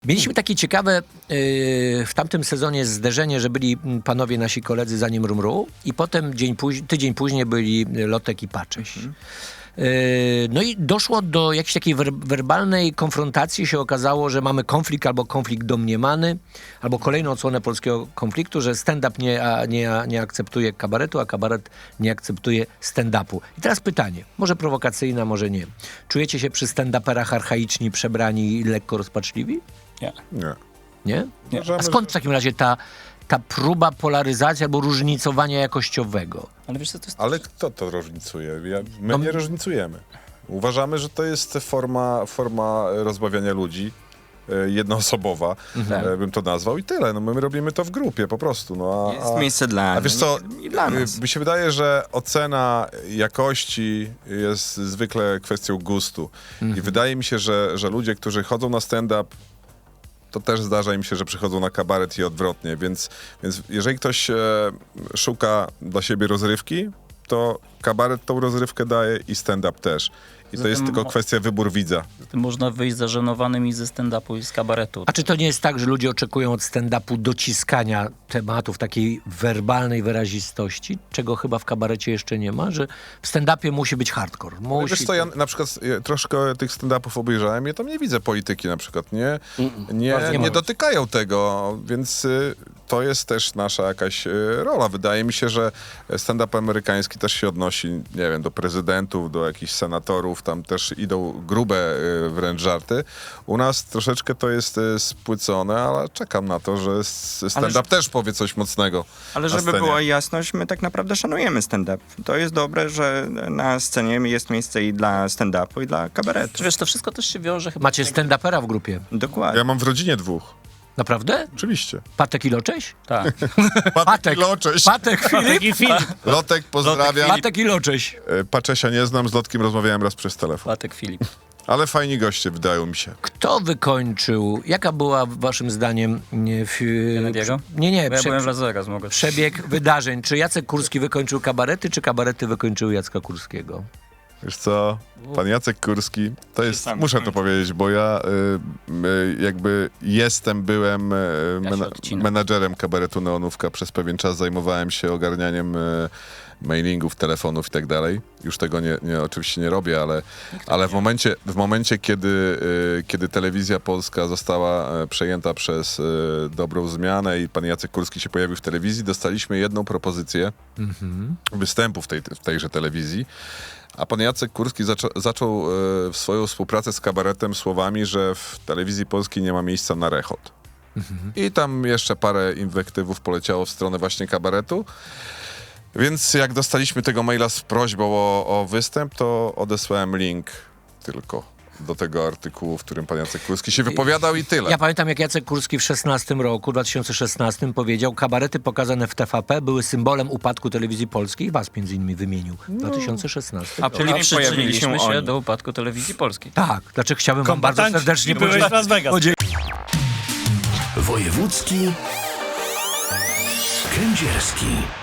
Mieliśmy takie ciekawe w tamtym sezonie zderzenie, że byli panowie nasi koledzy za nim Rumru i potem tydzień później byli Lotek i Pacześ. No i doszło do jakiejś takiej werbalnej konfrontacji. Się okazało, że mamy konflikt albo konflikt domniemany, albo kolejną odsłonę polskiego konfliktu, że stand-up nie akceptuje kabaretu, a kabaret nie akceptuje stand-upu. I teraz pytanie, może prowokacyjne, może nie. Czujecie się przy stand-uperach archaiczni, przebrani i lekko rozpaczliwi? Nie. Nie. Nie? Nie. A skąd w takim razie ta próba polaryzacji albo różnicowania jakościowego? Ale wiesz co, to jest... Ale kto to różnicuje? My nie różnicujemy. Uważamy, że to jest forma rozbawiania ludzi, jednoosobowa, bym to nazwał i tyle. No, my robimy to w grupie po prostu. No, Jest miejsce dla A wiesz co, i dla nas. mi się wydaje, że ocena jakości jest zwykle kwestią gustu. I wydaje mi się, że ludzie, którzy chodzą na stand-up, to też zdarza im się, że przychodzą na kabaret i odwrotnie. Więc jeżeli ktoś szuka dla siebie rozrywki, to kabaret tą rozrywkę daje i stand-up też. I to jest tylko kwestia wybór widza. Można wyjść zażenowanym i ze stand-upu i z kabaretu. A czy to nie jest tak, że ludzie oczekują od stand-upu dociskania tematów, takiej werbalnej wyrazistości, czego chyba w kabarecie jeszcze nie ma, że w stand-upie musi być hardcore. Wiesz co, ja na przykład troszkę tych stand-upów obejrzałem, ja tam nie widzę polityki na przykład, nie dotykają tego, więc to jest też nasza jakaś rola. Wydaje mi się, że stand-up amerykański też się odnosi, nie wiem, do prezydentów, do jakichś senatorów, tam też idą grube wręcz żarty. U nas troszeczkę to jest spłycone, ale czekam na to, że stand-up też powie coś mocnego. Ale żeby była jasność, my tak naprawdę szanujemy stand-up. To jest dobre, że na scenie jest miejsce i dla stand-upu, i dla kabaretu. Wiesz, to wszystko też się wiąże chyba... Macie stand-upera w grupie. Dokładnie. Ja mam w rodzinie 2. Naprawdę? Oczywiście. Patek i Locześ? Tak. Patek i Locześ. Patek, Filip? I Filip. Lotek, pozdrawiam. Patek i Locześ. Paczesia nie znam, z Lotkiem rozmawiałem raz przez telefon. Patek Filip. Ale fajni goście, wydają mi się. Kto wykończył, jaka była waszym zdaniem Kennedy'ego? Nie, Bo ja byłem w Las Vegas, mogę... przebieg wydarzeń? Czy Jacek Kurski wykończył kabarety, czy kabarety wykończyły Jacka Kurskiego? Wiesz co, pan Jacek Kurski, to jest, sam muszę to skończył. powiedzieć, bo ja byłem menadżerem kabaretu Neonówka, przez pewien czas zajmowałem się ogarnianiem mailingów, telefonów i tak dalej. Już tego oczywiście nie robię, ale w momencie kiedy Telewizja Polska została przejęta przez Dobrą Zmianę i pan Jacek Kurski się pojawił w telewizji, dostaliśmy jedną propozycję występu w tejże telewizji. A pan Jacek Kurski zaczął swoją współpracę z kabaretem słowami, że w Telewizji Polskiej nie ma miejsca na rechot. I tam jeszcze parę inwektywów poleciało w stronę właśnie kabaretu. Więc jak dostaliśmy tego maila z prośbą o występ, to odesłałem link tylko do tego artykułu, w którym pan Jacek Kurski się wypowiadał i tyle. Ja pamiętam, jak Jacek Kurski w 2016 powiedział, kabarety pokazane w TVP były symbolem upadku Telewizji Polskiej i was między innymi wymienił. 2016. Czyli A nie pojawili przyczyniliśmy się się oni. do upadku Telewizji Polskiej. Tak, dlaczego chciałbym wam bardzo serdecznie byłeś w Las Vegas. Wojewódzki Kędzierski.